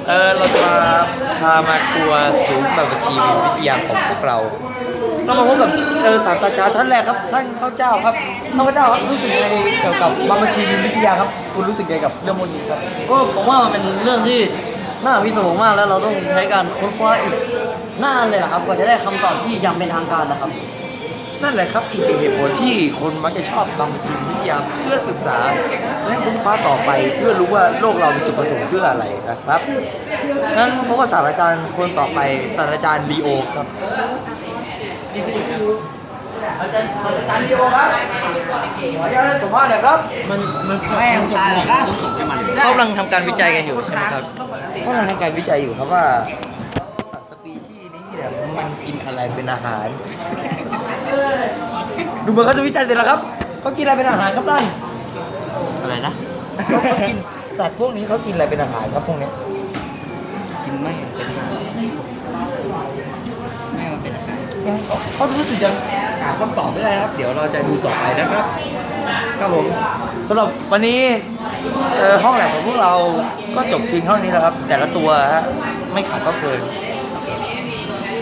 เราจะพามาทัวร์ศูนย์บัญชีวิทยาของพวกเรามาพบกับศาสตราจารย์ชั้นแรกครับท่านข้าวเจ้าครับข้าเจ้าครับรู้สึกไงเกี่ยวกับบัญชีวิทยาครับคุณรู้สึกไงกับเรื่องนี้ครับก็ผมว่ามันเป็นเรื่องที่น่าวิศวงมากแล้วเราต้องใช้การค้นคว้าอีกนานเลยนะครับกว่าจะได้คำตอบที่ยังเป็นทางการนะครับนั่นแหละครับอีกหนึ่งเหตุผลที่คนมักจะชอบบัญชีวิทยาเพื่อศึกษาและค้นคว้าต่อไปเพื่อรู้ว่าโลกเรามีจุดประสงค์เพื่ออะไรนะครับงั้นเพราะว่าศาสตราจารย์คนต่อไปศาสตราจารย์บีโอครับอาจารย์บีโอครับขออนุญาตสัมภาษณ์หน่อยครับมันไม่ตายหรอกครับเขากำลังทำการวิจัยกันอยู่ใช่ไหมครับเขากำลังทำการวิจัยอยู่ครับว่าสัตว์สปีชีส์นี้เนี่ยมันกินอะไรเป็นอาหารดูเหมือนเขาจะวิจัยเสร็จแล้วครับเขากินอะไรเป็นอาหารครับท่านอะไรนะเขากินสัตว์พวกนี้เขากินอะไรเป็นอาหารครับพวกนี้กินไม่เป็นไม่มันเป็นอาหารเขารู้สึกยังหาคำตอบไม่ได้นะครับเดี๋ยวเราจะดูต่อไปนะครับครับผมสำหรับวันนี้ห้องแลบของพวกเราก็จบเพียงเท่านี้แล้วครับแต่ละตัวฮะไม่ขาดก็เกิน